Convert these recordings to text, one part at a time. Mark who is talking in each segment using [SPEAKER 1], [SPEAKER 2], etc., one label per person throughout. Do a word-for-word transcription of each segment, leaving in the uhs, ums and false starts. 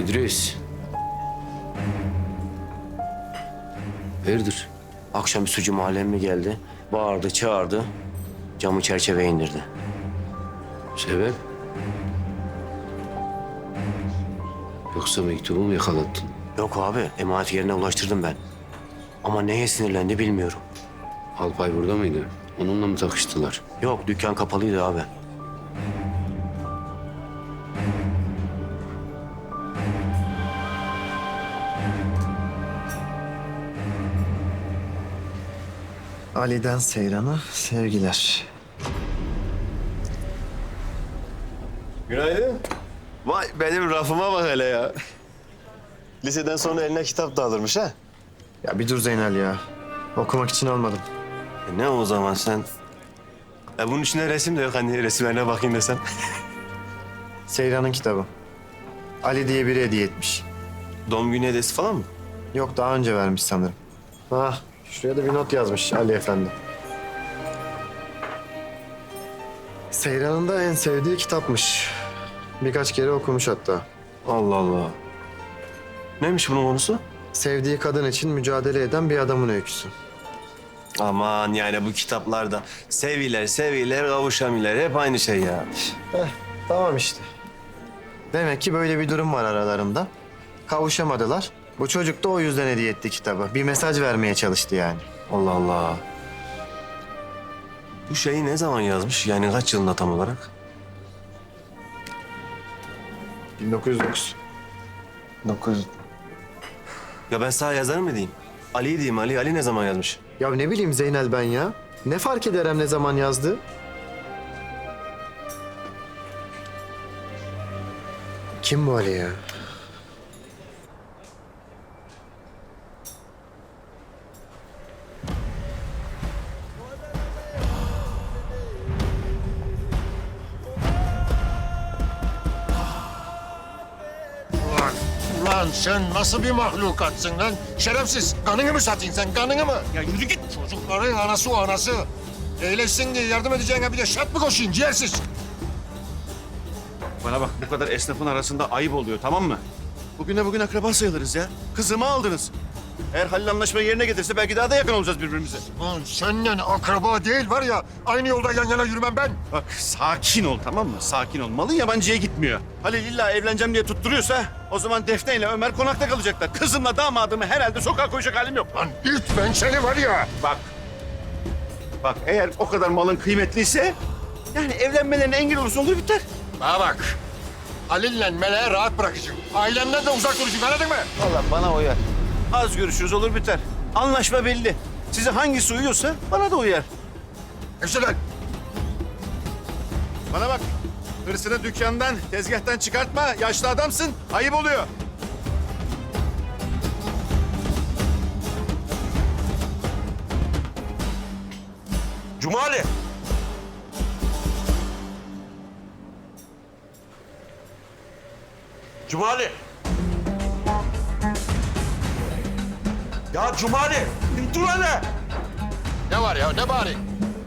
[SPEAKER 1] İdris. Hayırdır?
[SPEAKER 2] Akşam sucu mahalleme geldi. Bağırdı, çağırdı. Camı çerçeveye indirdi.
[SPEAKER 1] Sebep? Yoksa mektubu mu yakalattın?
[SPEAKER 2] Yok abi, emanet yerine ulaştırdım ben. Ama neye sinirlendi bilmiyorum.
[SPEAKER 1] Alpay burada mıydı? Onunla mı takıştılar?
[SPEAKER 2] Yok, dükkan kapalıydı abi.
[SPEAKER 3] Ali'den Seyran'a sevgiler.
[SPEAKER 4] Günaydın. Vay benim rafıma bak hele ya. Liseden sonra eline kitap da alırmış ha.
[SPEAKER 3] Ya bir dur Zeynel ya. Okumak için almadım.
[SPEAKER 4] E ne o zaman sen? E bunun içinde resim de yok hani resimlerine bakayım desem.
[SPEAKER 3] Seyran'ın kitabı. Ali diye biri hediye etmiş.
[SPEAKER 4] Doğum günü hediyesi falan mı?
[SPEAKER 3] Yok daha önce vermiş sanırım. Ha, şuraya da bir not yazmış Ali Efendi. Seyran'ın da en sevdiği kitapmış. Birkaç kere okumuş hatta.
[SPEAKER 4] Allah Allah. Neymiş bunun konusu?
[SPEAKER 3] Sevdiği kadın için mücadele eden bir adamın öyküsü.
[SPEAKER 4] Aman yani bu kitaplarda seviler seviler kavuşamiler hep aynı şey ya.
[SPEAKER 3] Heh, tamam işte. Demek ki böyle bir durum var aralarında. Kavuşamadılar. Bu çocuk da o yüzden hediye etti kitabı. Bir mesaj vermeye çalıştı yani.
[SPEAKER 4] Allah Allah. Bu şeyi ne zaman yazmış? Yani kaç yılında tam olarak?
[SPEAKER 3] bin dokuz yüz dokuz. dokuz.
[SPEAKER 4] Ya ben sana yazar mı diyeyim? Ali diyeyim Ali. Ali ne zaman yazmış?
[SPEAKER 3] Ya ne bileyim Zeynel ben ya. Ne fark ederim ne zaman yazdı? Kim bu Ali ya?
[SPEAKER 5] Ulan, ulan sen nasıl bir mahlukatsın lan? Şerefsiz, kanını mı satayım sen, kanını mı? Ya yürü git. Çocukların anası o anası. Eğleşsin diye yardım edeceğine bir de şart mı koşayım ciğersiz?
[SPEAKER 6] Bana bak bu kadar esnafın arasında ayıp oluyor tamam mı? Bugüne bugün akraba sayılırız ya. Kızımı aldınız. Eğer Halil anlaşmayı yerine getirse belki daha da yakın olacağız birbirimize.
[SPEAKER 5] Lan seninle akraba değil var ya, aynı yolda yan yana yürümem ben.
[SPEAKER 6] Bak sakin ol tamam mı? Sakin ol. Malın yabancıya gitmiyor. Halil illa evleneceğim diye tutturuyorsa o zaman Defne ile Ömer konakta kalacaklar. Kızımla damadımı herhalde sokağa koyacak halim yok.
[SPEAKER 5] Lan it ben seni var ya.
[SPEAKER 6] Bak. Bak eğer o kadar malın kıymetliyse yani evlenmelerine engel olursa olur biter.
[SPEAKER 5] Bana bak. Halil'le Meleğe rahat bırakacağım. Ailemden de uzak duracağım, anladın mı?
[SPEAKER 6] Vallahi bana uyar. Az görüşürüz olur biter. Anlaşma belli. Size hangisi uyuyorsa bana da uyar.
[SPEAKER 5] Hepsi lan.
[SPEAKER 6] Bana bak. Hırsını dükkandan, tezgahtan çıkartma. Yaşlı adamsın. Ayıp oluyor.
[SPEAKER 5] Cumali. Cumali. Ya Cumali, dur hele. Ne var ya, ne bari?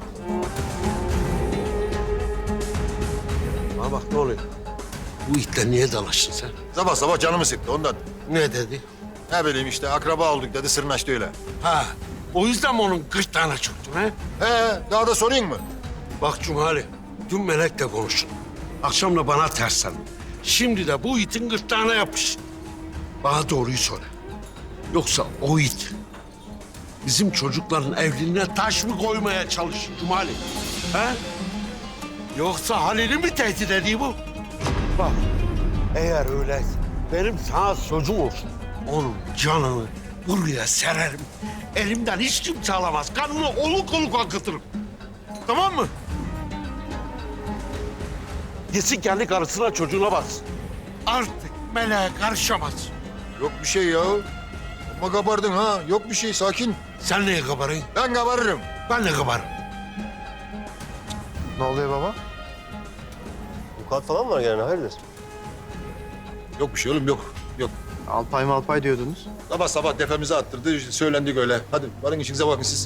[SPEAKER 7] Bana bak ne oluyor? Bu itle niye dalaştın sen?
[SPEAKER 5] Sabah sabah canımı sıktı ondan.
[SPEAKER 7] Ne dedi?
[SPEAKER 5] Ne bileyim işte akraba olduk dedi, sırnaştı öyle.
[SPEAKER 7] Ha, o yüzden mi onun gırtlağına çöktün ha?
[SPEAKER 5] He, daha da sorayım mı?
[SPEAKER 7] Bak Cumali, dün Melek'le konuştun. Akşam da bana tersen. Şimdi de bu itin gırtlağına yapış. Bana doğruyu söyle. Yoksa o it bizim çocukların evliliğine taş mı koymaya çalışıyor Cumali? Ha? Yoksa Halil'i mi tehdit ediyor bu? Bak, eğer öyle benim sana sözüm olsun. Onun canını buraya sererim. Elimden hiç kimse alamaz. Kanını oluk oluk akıtırım. Tamam mı? Gitsin kendi karısına çocuğuna baksın. Artık meleğe karışamaz.
[SPEAKER 5] Yok bir şey ya. Ama kabardın ha. Yok bir şey, sakin.
[SPEAKER 7] Sen neye kabarın?
[SPEAKER 5] Ben kabarırım.
[SPEAKER 7] Ben de kabarım.
[SPEAKER 3] Ne oluyor baba?
[SPEAKER 4] Vukuat falan var yani hayırdır?
[SPEAKER 5] Yok bir şey oğlum, yok. Yok.
[SPEAKER 3] Alpay malpay diyordunuz.
[SPEAKER 5] Sabah sabah tepemize attırdı, söylendik öyle. Hadi varın işinize bakın siz.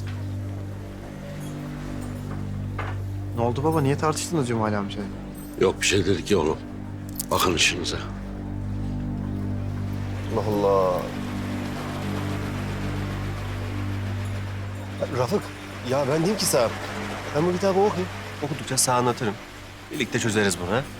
[SPEAKER 3] Ne oldu baba? Niye tartıştınız Cumali amcayla?
[SPEAKER 7] Yok bir şey dedik ya oğlum. Bakın işinize.
[SPEAKER 8] Allah Allah. Rafık, ya ben diyeyim ki sana. Ben bu kitabı okuyayım.
[SPEAKER 4] Okudukça sana anlatırım. Birlikte çözeriz bunu ha.